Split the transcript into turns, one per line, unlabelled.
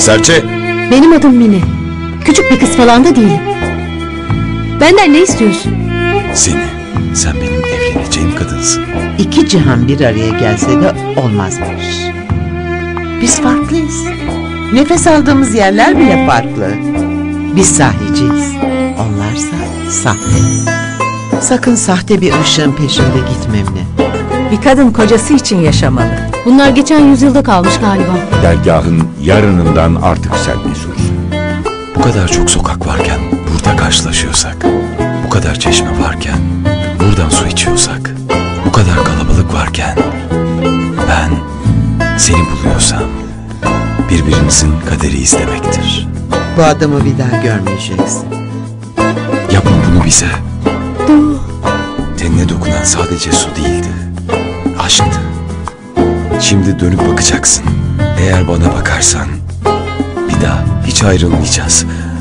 Serçe!
Benim adım Mine. Küçük bir kız falan da değilim. Benden ne istiyorsun?
Seni. Sen benim evleneceğim kadınsın.
İki cihan bir araya gelse de olmazmış. Biz farklıyız. Nefes aldığımız yerler bile farklı. Biz sahiciyiz. Onlarsa sahte. Sakın sahte bir ışığın peşinde gitme Emine.
Bir kadın kocası için yaşamalı.
Bunlar geçen yüzyılda kalmış galiba.
Dergahın yarınından artık sen mesulsün.
Bu kadar çok sokak varken burada karşılaşıyorsak, bu kadar çeşme varken buradan su içiyorsak, bu kadar kalabalık varken ben seni buluyorsam birbirimizin kaderiyiz demektir.
Bu adamı bir daha görmeyeceksin.
Yapma bunu bize. Tenine dokunan sadece su değildi, aşktı. Şimdi dönüp bakacaksın. Eğer bana bakarsan bir daha hiç ayrılmayacağız.